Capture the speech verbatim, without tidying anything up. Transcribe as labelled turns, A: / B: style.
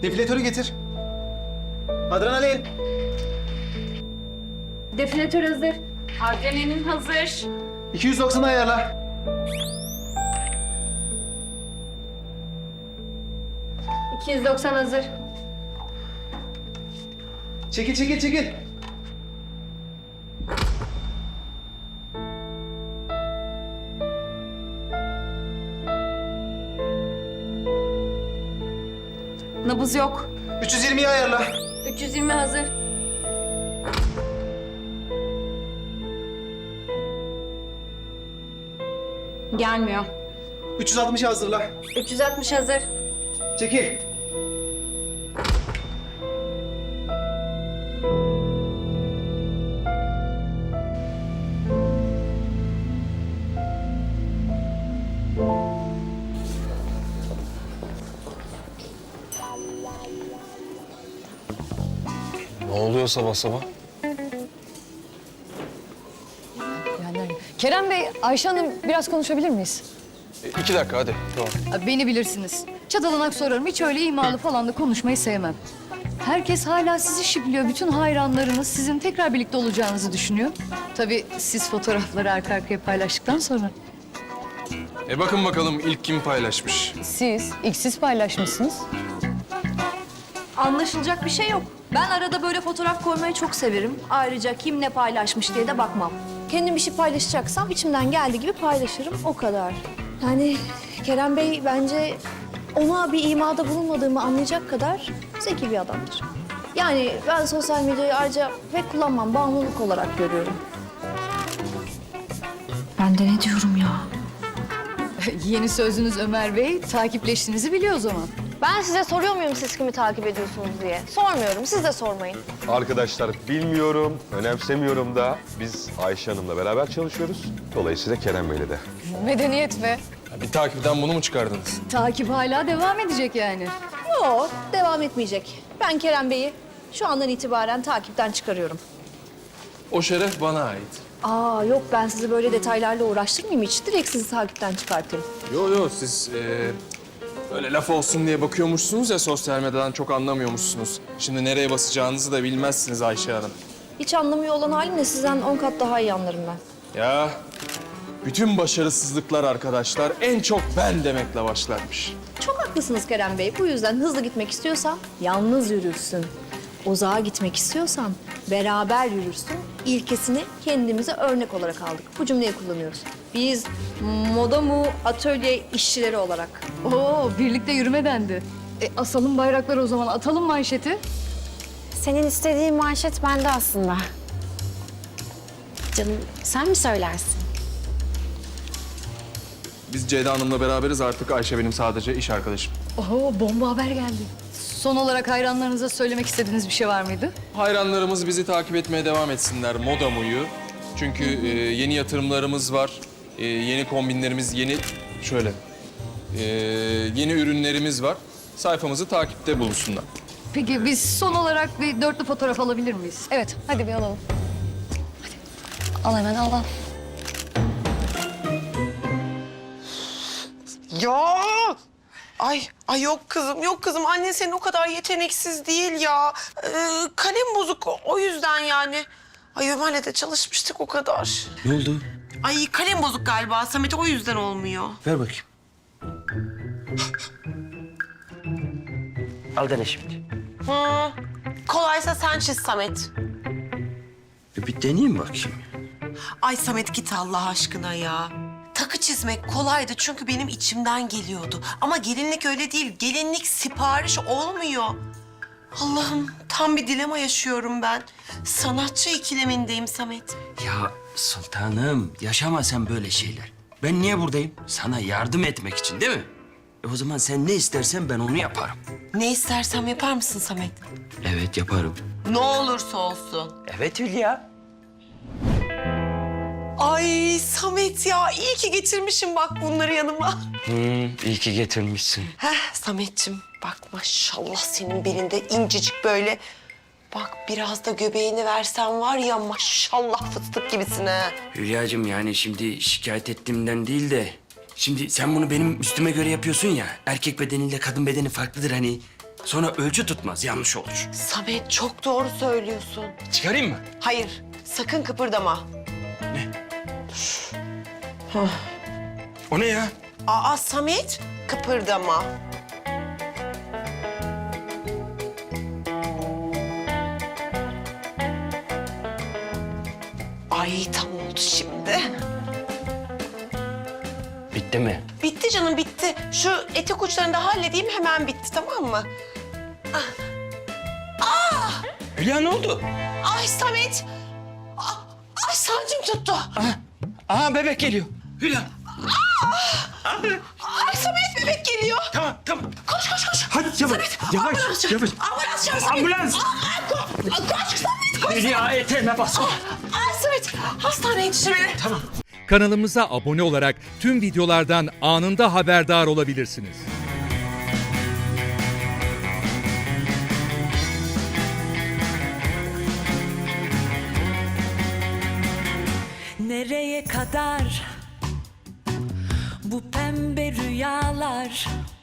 A: Defilatörü getir. Adrenalin.
B: Definatör hazır.
C: Adrenalin hazır.
A: iki yüz doksan ayarla.
B: iki yüz doksan hazır.
A: Çekil, çekil, çekil.
C: Nabız yok.
A: üç yüz yirmiyi ayarla.
B: üç yüz yirmi hazır.
C: Gelmiyor.
A: üç yüz altmışı hazırla.
B: üç yüz altmış hazır.
A: Çekil.
D: Ne oluyor sabah sabah?
E: Yani Kerem Bey, Ayşe Hanım biraz konuşabilir miyiz?
D: E, iki dakika hadi. Tamam.
E: Beni bilirsiniz. Çatalanak sorarım. Hiç öyle imalı falan da konuşmayı sevmem. Herkes hala sizi şipliyor. Bütün hayranlarınız sizin tekrar birlikte olacağınızı düşünüyor. Tabii siz fotoğrafları arka arkaya paylaştıktan sonra.
D: E bakın bakalım ilk kim paylaşmış?
E: Siz, ilk siz paylaşmışsınız.
F: Anlaşılacak bir şey yok. Ben arada böyle fotoğraf koymayı çok severim. Ayrıca kim ne paylaşmış diye de bakmam. Kendim bir şey paylaşacaksam içimden geldiği gibi paylaşırım, o kadar. Yani Kerem Bey bence ona bir imada bulunmadığımı anlayacak kadar zeki bir adamdır. Yani ben sosyal medyayı ayrıca pek kullanmam, bağımlılık olarak görüyorum. Ben de ne diyorum ya?
E: Yeni sözünüz Ömer Bey, takipleştiğinizi biliyor o zaman.
F: Ben size soruyor muyum siz kimi takip ediyorsunuz diye? Sormuyorum, siz de sormayın.
G: Arkadaşlar bilmiyorum, önemsemiyorum da biz Ayşe Hanım'la beraber çalışıyoruz. Dolayısıyla Kerem Bey'le de.
E: Medeniyet be.
D: Ya bir takipten bunu mu çıkardınız?
E: Takip hala devam edecek yani.
F: Yok, devam etmeyecek. Ben Kerem Bey'i şu andan itibaren takipten çıkarıyorum.
D: O şeref bana ait.
F: Aa yok, ben sizi böyle detaylarla uğraştırmayayım hiç. Direkt sizi takipten çıkartayım.
D: Yo yo siz e, böyle laf olsun diye bakıyormuşsunuz ya sosyal medyadan çok anlamıyormuşsunuz. Şimdi nereye basacağınızı da bilmezsiniz Ayşe Hanım.
F: Hiç anlamıyor olan halimle sizden on kat daha iyi anlarım ben.
D: Ya bütün başarısızlıklar arkadaşlar en çok ben demekle başlarmış.
F: Çok haklısınız Kerem Bey. Bu yüzden hızlı gitmek istiyorsan yalnız yürürsün. Uzağa gitmek istiyorsan beraber yürürsün. İlkesini kendimize örnek olarak aldık. Bu cümleyi kullanıyoruz. Biz moda mu atölye işçileri olarak.
E: Oo, birlikte yürüme dendi. E, asalım bayrakları o zaman, atalım manşeti.
H: Senin istediğin manşet bende aslında. Canım sen mi söylersin?
D: Biz Ceyda Hanım'la beraberiz artık Ayşe benim sadece iş arkadaşım.
E: Oo, bomba haber geldi. Son olarak hayranlarınıza söylemek istediğiniz bir şey var mıydı?
D: Hayranlarımız bizi takip etmeye devam etsinler Moda Mu'yu. Çünkü e, yeni yatırımlarımız var. E, yeni kombinlerimiz, yeni şöyle e, yeni ürünlerimiz var. Sayfamızı takipte bulunsunlar.
E: Peki biz son olarak bir dörtlü fotoğraf alabilir miyiz? Evet, hadi bir alalım. Hadi. Al hemen, al al.
I: Ya! Ay, ay yok kızım, yok kızım. Annen senin o kadar yeteneksiz değil ya. Ee, kalem bozuk o yüzden yani. Ay Ömer'le de çalışmıştık o kadar.
J: Ne oldu?
I: Ay kalem bozuk galiba. Samet o yüzden olmuyor.
J: Ver bakayım. Al dene şimdi.
I: Hı. Kolaysa sen çiz Samet.
J: E bir deneyeyim bakayım.
I: Ay Samet git Allah aşkına ya. Takı çizmek kolaydı çünkü benim içimden geliyordu. Ama gelinlik öyle değil. Gelinlik sipariş olmuyor. Allah'ım tam bir dilema yaşıyorum ben. Sanatçı ikilemindeyim Samet.
J: Ya sultanım yaşama sen böyle şeyler. Ben niye buradayım? Sana yardım etmek için değil mi? E o zaman sen ne istersen ben onu yaparım.
I: Ne istersem yapar mısın Samet?
J: Evet yaparım.
I: Ne olursa olsun.
J: Evet Hülya.
I: Ay Samet ya iyi ki getirmişim bak bunları yanıma.
J: Hmm, iyi ki getirmişsin.
I: Heh Sametciğim bak maşallah senin belinde incecik böyle. Bak biraz da göbeğini versen var ya maşallah fıstık gibisin ha.
J: Hülyacığım yani şimdi şikayet ettiğimden değil de... Şimdi sen bunu benim üstüme göre yapıyorsun ya. Erkek bedeniyle kadın bedeni farklıdır hani. Sonra ölçü tutmaz, yanlış olur.
I: Samet çok doğru söylüyorsun.
J: Çıkarayım mı?
I: Hayır, sakın kıpırdama.
J: O ne ya?
I: Aa Samet, kıpırdama. Ay tam oldu şimdi.
J: Bitti mi?
I: Bitti canım bitti. Şu etek uçlarını da halledeyim hemen bitti tamam mı?
J: Hülya ne oldu?
I: Ay Samet. Ah, Ay sancım tuttu.
J: Aha bebek geliyor. Hülya.
I: Ay Samet bebek geliyor.
J: Tamam tamam.
I: Koş koş koş.
J: Hadi yavaş yavaş
I: Ambulans çağır.
J: yavaş.
I: Ambulans çağır Samet.
J: Ambulans.
I: Aa, aa, ko- koş Samet koş.
J: Hülya eteğime bas.
I: Ay Samet hastaneye yetiştir beni.
J: Tamam.
K: Kanalımıza abone olarak tüm videolardan anında haberdar olabilirsiniz.
L: Nereye kadar bu pembe rüyalar?